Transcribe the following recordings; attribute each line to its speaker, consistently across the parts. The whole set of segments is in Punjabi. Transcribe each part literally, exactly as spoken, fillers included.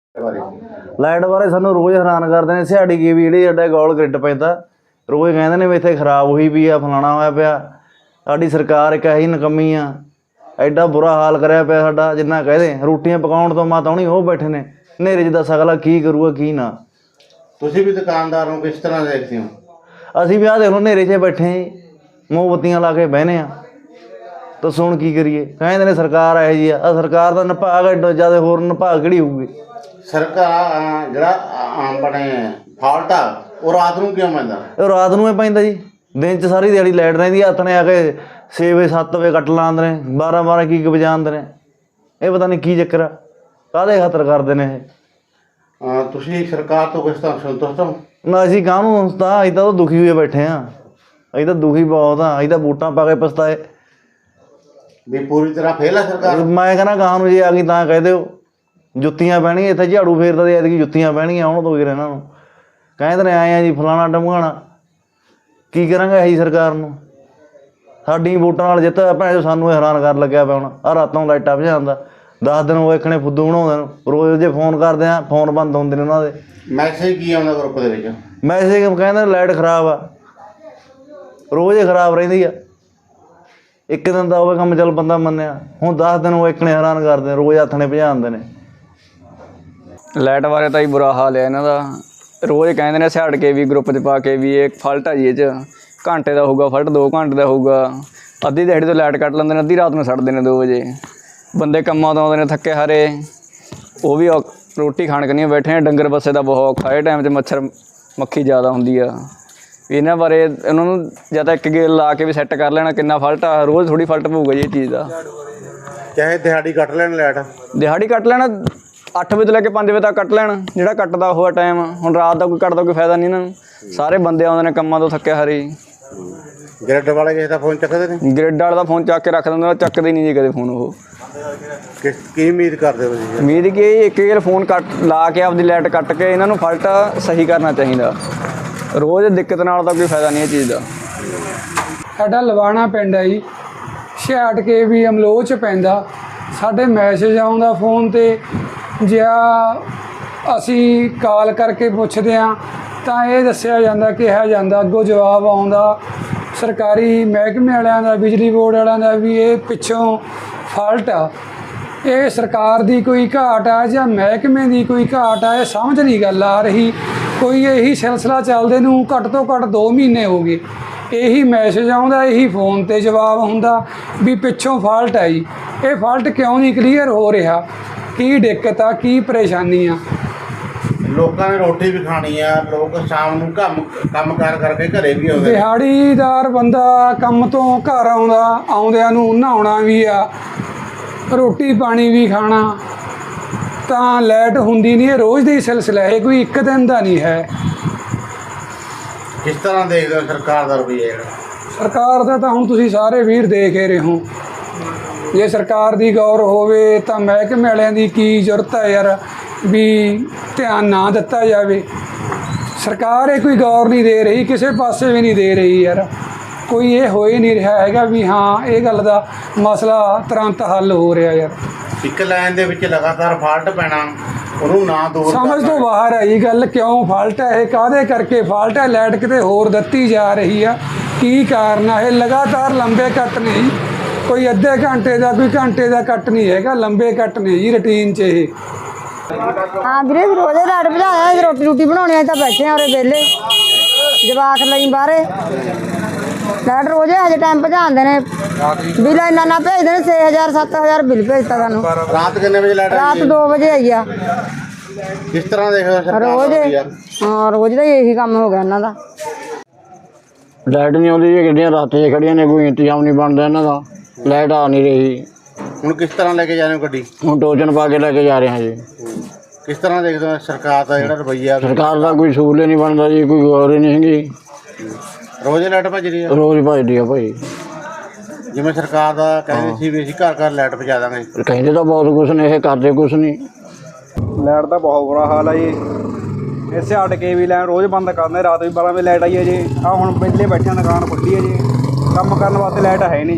Speaker 1: ਲਾਈਟ ਬਾਰੇ ਸਾਨੂੰ ਰੋਜ਼ ਹੈਰਾਨ ਕਰਦੇ ਨੇ। ਸਿਹਾੜੀ ਕੀ ਵੀ ਜਿਹੜੀ ਸਾਡਾ ਗੋਲ ਗ੍ਰਿਡ ਪੈਂਦਾ, ਰੋਜ਼ ਕਹਿੰਦੇ ਨੇ ਵੀ ਇੱਥੇ ਖਰਾਬ ਹੋਈ ਪਈ ਆ, ਫਲਾਣਾ ਹੋਇਆ ਪਿਆ। ਸਾਡੀ ਸਰਕਾਰ ਇੱਕ ਇਹੀ ਨਕੰਮੀ ਆ, ਐਡਾ ਬੁਰਾ ਹਾਲ ਕਰਿਆ ਪਿਆ ਸਾਡਾ। ਜਿੰਨਾ ਕਹਦੇ ਰੋਟੀਆਂ ਪਕਾਉਣ ਤੋਂ ਮਾਤਾ ਹੁਣੀ ਉਹ ਬੈਠੇ ਨੇ ਹਨੇਰੇ 'ਚ, ਦੱਸ ਅਗਲਾ ਕੀ ਕਰੂਗਾ ਕੀ ਨਾ।
Speaker 2: ਤੁਸੀਂ ਵੀ ਦੁਕਾਨਦਾਰ ਨੂੰ ਕਿਸ ਤਰ੍ਹਾਂ ਦੇਖਦੇ ਹੋ?
Speaker 1: ਅਸੀਂ ਵੀ ਆਹ ਦੇਖ ਲਓ ਹਨੇਰੇ 'ਚ ਬੈਠੇ ਜੀ, ਮੋਮਬੱਤੀਆਂ ਲਾ ਕੇ ਬਹਿਨੇ ਆ। ਦੱਸੋ ਹੁਣ ਕੀ ਕਰੀਏ? ਕਹਿੰਦੇ ਨੇ ਸਰਕਾਰ ਇਹੋ ਜਿਹੀ ਆ। ਆਹ ਸਰਕਾਰ ਦਾ ਨਿਭਾਗ ਐਡਾ ਜ਼ਿਆਦਾ, ਹੋਰ ਨਿਭਾਗ ਕਿਹੜੀ ਹੋਊਗੀ?
Speaker 2: ਸਰਕਾਰ ਜਿਹੜਾ ਆਪਣੇ ਫਾਲਟ ਆ ਉਹ ਰਾਤ ਨੂੰ ਕਿਉਂ ਪੈਂਦਾ?
Speaker 1: ਉਹ ਰਾਤ ਨੂੰ ਹੀ ਪੈਂਦਾ ਜੀ। ਦਿਨ 'ਚ ਸਾਰੀ ਦਿਹਾੜੀ ਲਾਈਟ ਰਹਿੰਦੀ, ਹੱਥ ਨੇ ਆ ਕੇ ਛੇ ਵਜੇ ਸੱਤ ਵਜੇ ਕੱਟ ਲਾਉਂਦੇ ਨੇ, ਬਾਰਾਂ ਬਾਰਾਂ ਕੀ ਕੀ ਵਜਾਉਂਦੇ ਨੇ। ਇਹ ਪਤਾ ਨਹੀਂ ਕੀ ਚੱਕਰ ਆ, ਕਾਹਦੇ ਖਾਤਰ ਕਰਦੇ ਨੇ ਇਹ।
Speaker 2: ਤੁਸੀਂ ਸਰਕਾਰ ਤੋਂ ਕਿਸ ਤਰ੍ਹਾਂ ਸੰਤੁਸ਼ਟ ਹੋ?
Speaker 1: ਨਾ ਅਸੀਂ ਕਾਹਨੂੰ ਤਾਂ, ਅਸੀਂ ਤਾਂ ਦੁਖੀ ਹੋਏ ਬੈਠੇ ਹਾਂ। ਅਸੀਂ ਤਾਂ ਦੁਖੀ ਬਹੁਤ ਹਾਂ। ਅਸੀਂ ਤਾਂ ਵੋਟਾਂ ਪਾ ਕੇ ਪਛਤਾਏ
Speaker 2: ਵੀ ਪੂਰੀ ਤਰ੍ਹਾਂ ਫੇਲ ਆ ਸਰਕਾਰ।
Speaker 1: ਮੈਂ ਕਹਿੰਦਾ ਗਾਹਾਂ ਨੂੰ ਜੇ ਆ ਗਈ ਤਾਂ ਕਹਿ ਦਿਓ ਜੁੱਤੀਆਂ ਪੈਣਗੀਆਂ। ਇੱਥੇ ਝਾੜੂ ਫੇਰਦਾ ਤੇ ਐਤਕੀ ਜੁੱਤੀਆਂ ਪੈਣਗੀਆਂ ਆਉਣ ਤੋਂ ਇਹਨਾਂ ਨੂੰ। ਕਹਿੰਦੇ ਨੇ ਆਏ ਆ ਜੀ ਫਲਾਣਾ ਟਮਕਾਣਾ। ਕੀ ਕਰਾਂਗੇ ਇਹੀ ਸਰਕਾਰ ਨੂੰ? ਸਾਡੀ ਵੋਟਾਂ ਨਾਲ ਜਿੱਤ ਭੈਣ ਸਾਨੂੰ ਹੈਰਾਨ ਕਰਨ ਲੱਗਿਆ ਪਿਆ। ਹੁਣ ਆਹ ਰਾਤੋਂ ਲਾਈਟਾਂ ਭਜਾਉਂਦਾ, ਦਸ ਦਿਨ ਉਹ ਇੱਕਣੇ ਫੁੱਦੂ ਬਣਾਉਂਦੇ ਨੂੰ। ਰੋਜ਼ ਜੇ ਫੋਨ ਕਰਦੇ ਆ ਫੋਨ ਬੰਦ ਹੁੰਦੇ ਨੇ ਉਹਨਾਂ ਦੇ।
Speaker 2: ਮੈਸੇਜ ਕੀ ਆਉਂਦਾ ਗਰੁੱਪ ਦੇ ਵਿੱਚ?
Speaker 1: ਮੈਸੇਜ ਕਹਿੰਦੇ ਲਾਈਟ ਖਰਾਬ ਆ, ਰੋਜ਼ ਹੀ ਖਰਾਬ ਰਹਿੰਦੀ ਆ। ਇੱਕ ਦਿਨ ਦਾ ਹੋਵੇ ਕੰਮ ਚੱਲ ਬੰਦਾ ਮੰਨਿਆ, ਹੁਣ ਦਸ ਦਿਨ ਉਹ ਇੱਕਣੇ ਹੈਰਾਨ ਕਰਦੇ, ਰੋਜ਼ ਹੱਥ ਨੇ ਭਜਾਉਂਦੇ ਨੇ।
Speaker 3: ਲਾਈਟ ਬਾਰੇ ਤਾਂ ਹੀ ਬੁਰਾ ਹਾਲ ਹੈ ਇਹਨਾਂ ਦਾ। ਰੋਜ਼ ਕਹਿੰਦੇ ਨੇ ਛੱਡ ਕੇ ਵੀ ਗਰੁੱਪ 'ਚ ਪਾ ਕੇ ਵੀ ਇਹ ਫਲਟ ਆ ਜੀ, ਇਹ 'ਚ ਘੰਟੇ ਦਾ ਹੋਊਗਾ ਫਲਟ, ਦੋ ਘੰਟੇ ਦਾ ਹੋਊਗਾ। ਅੱਧੀ ਦਿਹਾੜੀ ਤੋਂ ਲਾਈਟ ਕੱਟ ਲੈਂਦੇ ਨੇ, ਅੱਧੀ ਰਾਤ ਨੂੰ ਛੱਡਦੇ ਨੇ ਦੋ ਵਜੇ। ਬੰਦੇ ਕੰਮਾਂ ਤੋਂ ਆਉਂਦੇ ਨੇ ਥੱਕੇ ਹਾਰੇ, ਉਹ ਵੀ ਰੋਟੀ ਖਾਣ ਕਰਨੀ ਬੈਠੇ ਨੇ। ਡੰਗਰ ਬੱਸੇ ਦਾ ਬਹੁਤ ਔਖਾ, ਇਹ ਟਾਈਮ 'ਚ ਮੱਛਰ ਮੱਖੀ ਜ਼ਿਆਦਾ ਹੁੰਦੀ ਆ। ਇਹਨਾਂ ਬਾਰੇ ਇਹਨਾਂ ਨੂੰ ਜਾਂ ਤਾਂ ਇੱਕ ਗੇਲ ਲਾ ਕੇ ਵੀ ਸੈੱਟ ਕਰ ਲੈਣਾ ਕਿੰਨਾ ਫਲਟ ਆ। ਰੋਜ਼ ਥੋੜ੍ਹੀ ਫਲਟ ਪਊਗਾ ਜੀ ਇਹ ਚੀਜ਼ ਦਾ।
Speaker 2: ਚਾਹੇ ਦਿਹਾੜੀ ਕੱਟ ਲੈਣ ਲਾਈਟ,
Speaker 3: ਦਿਹਾੜੀ ਕੱਟ ਲੈਣਾ, ਅੱਠ ਵਜੇ ਤੋਂ ਲੈ ਕੇ ਪੰਜ ਵਜੇ ਤੱਕ ਕੱਟ ਲੈਣ, ਜਿਹੜਾ ਕੱਟਦਾ ਹੋਇਆ ਟਾਈਮ। ਹੁਣ ਰਾਤ ਦਾ ਕੋਈ ਕੱਟਦਾ ਕੋਈ ਫਾਇਦਾ ਨਹੀਂ ਇਹਨਾਂ ਨੂੰ। ਸਾਰੇ ਬੰਦੇ ਆਉਂਦੇ ਨੇ ਕੰਮਾਂ ਤੋਂ ਥੱਕੇ ਹਾਰੇ।
Speaker 2: ਗ੍ਰਿਡ ਵਾਲੇ ਕਿਸੇ ਦਾ ਫੋਨ ਚੱਕਦੇ ਨੇ?
Speaker 3: ਗ੍ਰਿਡ ਵਾਲੇ ਦਾ ਫੋਨ ਚੱਕ ਕੇ ਰੱਖ ਦਿੰਦੇ, ਚੱਕਦੇ ਨਹੀਂ ਜੀ ਕਦੇ ਫੋਨ। ਉਹ
Speaker 2: ਕਿਸ ਕੀ ਉਮੀਦ ਕਰਦੇ ਹੋ ਤੁਸੀਂ?
Speaker 3: ਉਮੀਦ ਕਿ ਇੱਕ ਵਾਰ ਫੋਨ ਕੱਟ ਲਾ ਕੇ ਆਪਦੀ ਲਾਈਟ ਕੱਟ ਕੇ ਇਹਨਾਂ ਨੂੰ ਫਲਟ ਸਹੀ ਕਰਨਾ ਚਾਹੀਦਾ। ਰੋਜ਼ ਦਿੱਕਤ ਨਾਲ ਤਾਂ ਕੋਈ ਫਾਇਦਾ ਨਹੀਂ ਇਹ ਚੀਜ਼ ਦਾ।
Speaker 4: ਸਾਡਾ ਲਵਾਣਾ ਪਿੰਡ ਹੈ ਜੀ, ਛਿਆਹਠ ਕੇ ਵੀ ਅਮਲੋਹ 'ਚ ਪੈਂਦਾ। ਸਾਡੇ ਮੈਸੇਜ ਆਉਂਦਾ ਫੋਨ 'ਤੇ, ਜਾਂ ਅਸੀਂ ਕਾਲ ਕਰਕੇ ਪੁੱਛਦੇ ਹਾਂ ਤਾਂ ਇਹ ਦੱਸਿਆ ਜਾਂਦਾ, ਕਿਹਾ ਜਾਂਦਾ, ਅੱਗੋਂ ਜਵਾਬ ਆਉਂਦਾ ਸਰਕਾਰੀ ਮਹਿਕਮੇ ਵਾਲਿਆਂ ਦਾ, ਬਿਜਲੀ ਬੋਰਡ ਵਾਲਿਆਂ ਦਾ ਵੀ ਇਹ ਪਿੱਛੋਂ ਫਾਲਟ ਆ। ਇਹ ਸਰਕਾਰ ਦੀ ਕੋਈ ਘਾਟ ਆ ਜਾਂ ਮਹਿਕਮੇ ਦੀ ਕੋਈ ਘਾਟ ਆ, ਇਹ ਸਮਝ ਨਹੀਂ ਗੱਲ ਆ ਰਹੀ। ਕੋਈ ਇਹੀ ਸਿਲਸਿਲਾ ਚੱਲਦੇ ਨੂੰ ਘੱਟ ਤੋਂ ਘੱਟ ਦੋ ਮਹੀਨੇ ਹੋ ਗਏ। ਇਹੀ ਮੈਸੇਜ ਆਉਂਦਾ, ਇਹੀ ਫੋਨ 'ਤੇ ਜਵਾਬ ਹੁੰਦਾ ਵੀ ਪਿੱਛੋਂ ਫਾਲਟ ਆ ਜੀ। ਇਹ ਫਾਲਟ ਕਿਉਂ ਨਹੀਂ ਕਲੀਅਰ ਹੋ ਰਿਹਾ? ਕੀ ਦਿੱਕਤ ਆ, ਕੀ ਪਰੇਸ਼ਾਨੀ ਆ?
Speaker 2: ਲੋਕਾਂ ਨੇ ਰੋਟੀ ਵੀ ਖਾਣੀ ਆ, ਲੋਕ ਸ਼ਾਮ ਨੂੰ ਕੰਮ ਕੰਮ ਕਾਰ ਕਰਕੇ ਘਰੇ ਵੀ ਆਉਂਦੇ।
Speaker 4: ਦਿਹਾੜੀਦਾਰ ਬੰਦਾ ਕੰਮ ਤੋਂ ਘਰ ਆਉਂਦਾ, ਆਉਂਦਿਆਂ ਨੂੰ ਨਹਾਉਣਾ ਵੀ ਆ, ਰੋਟੀ ਪਾਣੀ ਵੀ ਖਾਣਾ, ਤਾਂ ਲਾਈਟ ਹੁੰਦੀ ਨਹੀਂ। ਇਹ ਰੋਜ਼ ਦਾ ਹੀ ਸਿਲਸਿਲਾ ਹੈ, ਕੋਈ ਇੱਕ ਦਿਨ ਦਾ ਨਹੀਂ ਹੈ।
Speaker 2: ਕਿਸ ਤਰ੍ਹਾਂ ਦੇਖਦੇ ਹੋ ਸਰਕਾਰ ਦਾ ਰਵੱਈਆ?
Speaker 4: ਸਰਕਾਰ ਦਾ ਤਾਂ ਹੁਣ ਤੁਸੀਂ ਸਾਰੇ ਵੀਰ ਦੇਖ ਹੀ ਰਹੇ ਹੋ। ਜੇ ਸਰਕਾਰ ਦੀ ਗੌਰ ਹੋਵੇ ਤਾਂ ਮਹਿਕਮੇ ਵਾਲਿਆਂ ਦੀ ਕੀ ਜ਼ਰੂਰਤ ਹੈ ਯਾਰ ਵੀ ਧਿਆਨ ਨਾ ਦਿੱਤਾ ਜਾਵੇ। ਸਰਕਾਰ ਇਹ ਕੋਈ ਗੌਰ ਨਹੀਂ ਦੇ ਰਹੀ, ਕਿਸੇ ਪਾਸੇ ਵੀ ਨਹੀਂ ਦੇ ਰਹੀ ਯਾਰ। ਕੋਈ ਇਹ ਹੋ ਹੀ ਨਹੀਂ ਰਿਹਾ ਹੈਗਾ ਵੀ ਹਾਂ ਇਹ ਗੱਲ ਦਾ ਮਸਲਾ ਤੁਰੰਤ ਹੱਲ ਹੋ ਰਿਹਾ ਯਾਰ।
Speaker 2: ਇੱਕ ਲਾਈਨ ਦੇ ਵਿੱਚ ਲਗਾਤਾਰ ਫਾਲਟ ਪੈਣਾ, ਉਹਨੂੰ ਨਾ ਦੂਰ
Speaker 4: ਸਮਝ ਤੋਂ ਬਾਹਰ ਹੈ ਇਹ ਗੱਲ। ਕਿਉਂ ਫਾਲਟ ਹੈ ਇਹ? ਕਾਹਦੇ ਕਰਕੇ ਫਾਲਟ ਹੈ? ਲਾਈਟ ਕਿਤੇ ਹੋਰ ਦਿੱਤੀ ਜਾ ਰਹੀ ਆ, ਕੀ ਕਾਰਨ ਆ? ਇਹ ਲਗਾਤਾਰ ਲੰਬੇ ਕੱਟ ਨਹੀਂ, ਕੋਈ ਅੱਧੇ ਘੰਟੇ ਦਾ ਕੋਈ ਘੰਟੇ ਦਾ ਕੱਟ ਨਹੀਂ ਹੈਗਾ, ਲੰਬੇ ਕੱਟ ਨੇ ਜੀ ਰੂਟੀਨ 'ਚ ਇਹ।
Speaker 5: ਹਾਂ ਵੀਰੇ, ਰੋਜ਼ੇ ਲਾਈਟ ਭਜਾਇਆ, ਰੋਟੀ ਰੋਟੀ ਬਣਾਉਣੀ ਤਾਂ ਬੈਠੇ ਆ ਉਰੇ ਵਿਹਲੇ, ਜਵਾਕ ਲਈ ਬਾਹਰੇ। ਲਾਈਟ ਰੋਜ਼ੇ ਹਜੇ ਟਾਈਮ ਭਜਾਉਂਦੇ ਨੇ, ਬਿੱਲ ਇੰਨਾ ਨਾ ਭੇਜਦੇ ਨੇ, ਛੇ ਹਜ਼ਾਰ ਸੱਤ ਹਜ਼ਾਰ ਬਿੱਲ ਭੇਜਤਾ ਸਾਨੂੰ।
Speaker 2: ਰਾਤ ਕਿੰਨੇ ਵਜੇ ਲਾਈਟ?
Speaker 4: ਰਾਤ ਦੋ ਵਜੇ ਆਈ ਆ।
Speaker 2: ਕਿਸ ਤਰ੍ਹਾਂ ਦੇਖਦੇ ਸਰਕਾਰ
Speaker 5: ਰੋਜ਼ ਹਾਂ ਰੋਜ਼ ਦਾ ਇਹੀ ਕੰਮ ਹੋ ਗਿਆ ਇਹਨਾਂ ਦਾ।
Speaker 6: ਲਾਈਟ ਨਹੀਂ ਆਉਂਦੀ ਜੀ, ਗੱਡੀਆਂ ਰਾਤੇ 'ਚ ਖੜੀਆਂ ਨੇ, ਕੋਈ ਇੰਤਜ਼ਾਮ ਨਹੀਂ ਬਣਦਾ ਇਹਨਾਂ ਦਾ। ਲਾਈਟ ਆ ਨਹੀਂ ਰਹੀ।
Speaker 2: ਹੁਣ ਕਿਸ ਤਰ੍ਹਾਂ ਲੈ ਕੇ ਜਾ ਰਹੇ ਹੋ ਗੱਡੀ?
Speaker 6: ਹੁਣ ਟੋਚਨ ਪਾ ਕੇ ਲੈ ਕੇ ਜਾ ਰਹੇ ਹਾਂ ਜੀ।
Speaker 2: ਕਿਸ ਤਰ੍ਹਾਂ ਦੇਖਦੇ ਹੋ ਸਰਕਾਰ ਦਾ ਜਿਹੜਾ ਰਵੱਈਆ?
Speaker 6: ਸਰਕਾਰ ਦਾ ਕੋਈ ਸਹੂਲਤ ਨਹੀਂ ਬਣਦਾ ਜੀ, ਕੋਈ ਗੌਰ ਹੀ ਨਹੀਂ ਹੈਗੀ।
Speaker 2: ਰੋਜ਼ ਲਾਈਟ ਭੱਜ ਰਹੀ ਹੈ,
Speaker 6: ਰੋਜ਼ ਭੱਜਦੀ ਆ ਭਾਈ।
Speaker 2: ਜਿਵੇਂ ਸਰਕਾਰ ਦਾ ਕਹਿੰਦੇ ਸੀ ਵੀ ਅਸੀਂ ਘਰ ਘਰ ਲਾਈਟ ਪਹੁੰਚਾ ਦਾਂਗੇ।
Speaker 6: ਕਹਿੰਦੇ ਤਾਂ ਬਹੁਤ ਕੁਛ ਨੇ, ਇਹ ਕਰਦੇ ਕੁਛ ਨਹੀਂ।
Speaker 7: ਲਾਈਟ ਦਾ ਬਹੁਤ ਬੁਰਾ ਹਾਲ ਆ ਜੀ। ਇਸੇ ਅੱਡ ਕੇ ਵੀ ਲਾਈਨ ਰੋਜ਼ ਬੰਦ ਕਰਦੇ, ਰਾਤ ਵੀ ਬਾਰਾਂ ਵਜੇ ਲਾਈਟ ਆਈ ਹੈ ਜੀ। ਆਹ ਹੁਣ ਵਿਹਲੇ ਬੈਠੇ ਦੁਕਾਨ ਖੁੱਲੀ ਹੈ ਜੀ, ਕੰਮ ਕਰਨ ਵਾਸਤੇ ਲਾਈਟ ਹੈ ਨਹੀਂ ਜੀ।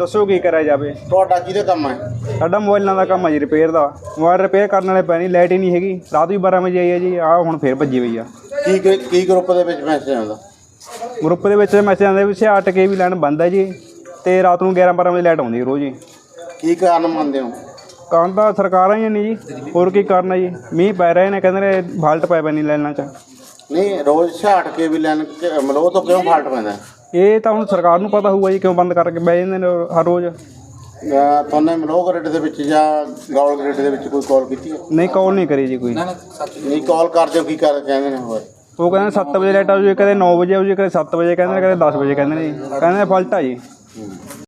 Speaker 7: ਦੱਸੋ ਕੀ ਕਰਿਆ ਜਾਵੇ।
Speaker 2: ਤੁਹਾਡਾ ਕਿਹਦੇ ਕੰਮ ਹੈ?
Speaker 7: ਸਾਡਾ ਮੋਬਾਈਲਾਂ ਦਾ ਕੰਮ ਹੈ ਜੀ, ਰਿਪੇਅਰ ਦਾ। ਮੋਬਾਈਲ ਰਿਪੇਅਰ ਕਰਨ ਵਾਲੇ ਪੈ ਨਹੀਂ, ਲਾਈਟ ਹੀ ਨਹੀਂ ਹੈਗੀ। ਰਾਤ ਵੀ ਬਾਰਾਂ ਵਜੇ ਆਈ ਹੈ ਜੀ, ਆਹ ਹੁਣ ਫੇਰ ਭੱਜੀ ਹੋਈ ਆ।
Speaker 2: ਕੀ ਕੀ ਗਰੁੱਪ ਦੇ ਵਿੱਚ ਮੈਸੇਜ ਆਉਂਦਾ?
Speaker 7: ਗਰੁੱਪ ਦੇ ਵਿੱਚ ਮੈਸੇਜ ਆਉਂਦੇ ਵੀ ਛਿਆਹਠ ਕੇ ਵੀ ਲਾਈਨ ਬੰਦ ਹੈ ਜੀ, ਤੇ ਰਾਤ ਨੂੰ ਗਿਆਰਾਂ ਬਾਰਾਂ ਵਜੇ ਲਾਈਟ ਆਉਂਦੀ ਹੈ ਰੋਜ਼ ਜੀ।
Speaker 2: ਕੀ ਕਾਰਨ ਮੰਨਦੇ ਹੋ?
Speaker 7: ਕਾਰਨ ਤਾਂ ਸਰਕਾਰਾਂ ਹੀ ਨਹੀਂ ਜੀ, ਹੋਰ ਕੀ ਕਰਨਾ ਜੀ। ਮੀਂਹ ਪੈ ਰਹੇ ਨੇ, ਕਹਿੰਦੇ ਨੇ ਫਾਲਟ ਪੈ ਪੈਣੀ ਲਾਈਨਾਂ 'ਚ।
Speaker 2: ਨਹੀਂ, ਰੋਜ਼ ਛਿਆਹਠ ਕੇ ਵੀ ਲੈਣ ਮਲੋਹ ਤੋਂ ਕਿਉਂ ਫਾਲਟ ਪੈਂਦਾ?
Speaker 7: ਇਹ ਤਾਂ ਹੁਣ ਸਰਕਾਰ ਨੂੰ ਪਤਾ ਹੋਊਗਾ ਜੀ, ਕਿਉਂ ਬੰਦ ਕਰਕੇ ਬਹਿ ਜਾਂਦੇ ਨੇ ਹਰ ਰੋਜ਼।
Speaker 2: ਅਹ ਤੁਹਾਨੂੰ ਮਲੋਹ ਗ੍ਰਿਡ ਦੇ ਵਿੱਚ ਜਾਂ ਗੌਲ ਗ੍ਰਿਡ ਦੇ ਵਿੱਚ ਕੋਈ ਕਾਲ ਕੀਤੀ ਹੈ?
Speaker 7: ਨਹੀਂ, ਕਾਲ ਨਹੀਂ ਕਰੀ ਜੀ ਕੋਈ।
Speaker 2: ਨਹੀਂ, ਕਾਲ ਕਰਦੇ ਹੋ ਕੀ ਕਰ ਕਹਿੰਦੇ ਨੇ? ਹੋਰ
Speaker 7: ਉਹ ਕਹਿੰਦੇ ਸੱਤ ਵਜੇ ਲਾਈਟ ਆਊ ਜੀ, ਕਦੇ ਨੌ ਵਜੇ ਆਊ ਜੀ, ਕਦੇ ਸੱਤ ਵਜੇ ਕਹਿੰਦੇ ਨੇ, ਕਦੇ ਦਸ ਵਜੇ ਕਹਿੰਦੇ ਨੇ ਜੀ। ਕਹਿੰਦੇ ਫਾਲਟ ਆ ਜੀ।